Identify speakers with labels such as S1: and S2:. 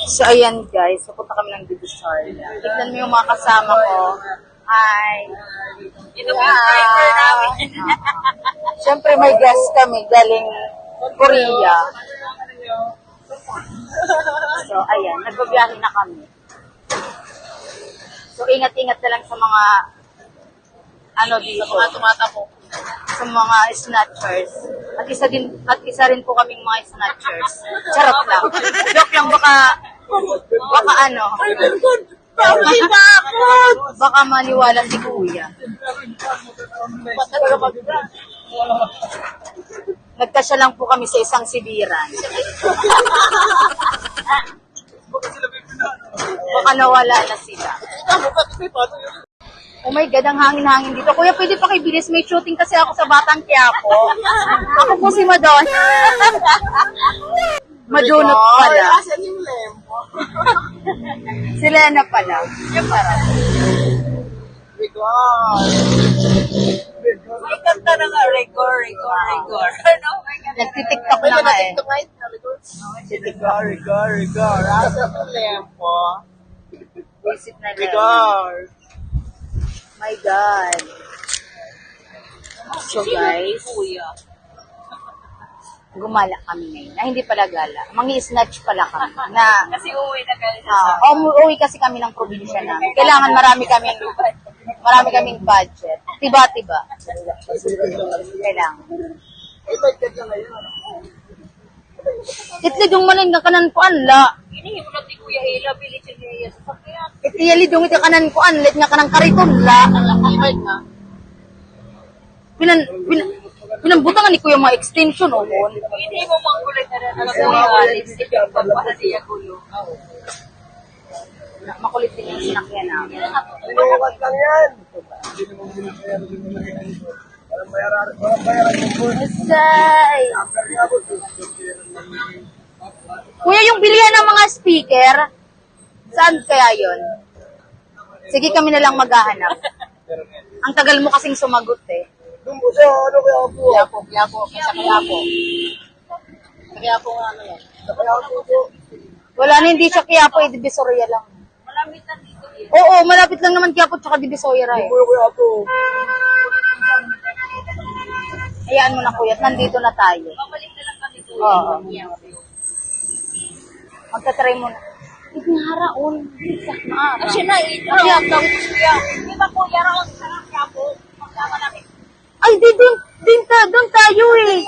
S1: So, ayan guys, pupunta kami ng Divisoria. Tignan mo yung mga kasama ko. Hi!
S2: Ito po yung driver namin.
S1: Siyempre may guest kami galing Korea. So, ayan, nagbabiyahe na kami. So, ingat-ingat na lang sa mga dito.
S2: Sa mga tumatakbo.
S1: Sa mga snatchers. At isa rin po kaming mga snatchers. Charot lang. Joke lang, baka baka maniwala si kuya. Nagkasya lang po kami sa isang sibiran. Baka nawala na sila. Oh my God, ang hangin-hangin dito. Kuya, pwede pa bilis. May shooting kasi ako sa Batang Quiapo. Ako po si Madon. Madunot pala.
S2: Asan yung lempo?
S1: Si Lena pala. Yung parang.
S2: Rigor. May kanta na nga, rigor. Ano?
S1: Nagtitiktok na nga eh.
S2: Rigor. Asan yung lempo?
S1: Visit na lang.
S2: Rigor.
S1: My God. So guys, gumala kami ngayon. Na hindi pala gala. Mangi-snatch pala kami. Na,
S2: Kasi uwi na kayo sa
S1: umuwi kasi kami ng probinsya namin. Kailangan marami kaming budget. Tiba-tiba. Kailangan. Itli dung manin nga kanan ko anla.
S2: Hinihingi mo lang ni Kuya Ella, bilis yung niya sa sakyan.
S1: Itiyali dung iti kanan ko anlit nga kanang kariton la. Pinambutangan ni Kuya mga extension o mon.
S2: Hindi mo mang kulit na alam mo yung Alex. Ikaw pagpala siya kulo.
S1: Makulit din yung sinakyan namin.
S2: Inuwag lang yan.
S1: Asay! Kuya, yung bilihan ng mga speaker, saan kaya yon? Sige, kami na lang maghahanap. Ang tagal mo kasing sumagot eh.
S2: Doon po siya, Quiapo. Sa Quiapo. Sa Quiapo nga ano yan. Sa Quiapo po.
S1: Wala na, hindi siya Quiapo, eh, Divisoria lang.
S2: Malamit na dito.
S1: Oo, malapit lang naman Quiapo tsaka Divisoria eh.
S2: Quiapo.
S1: Hayaan mo na kuya, nandito na tayo.
S2: Babalik na lang kami doon.
S1: Oo. Magtatry mo na. Ignaraon. Sa maara.
S2: Kasi na, ito. Di ba Kuya Raon sa Quiapo? Magkama namin.
S1: Ay, doon tayo eh.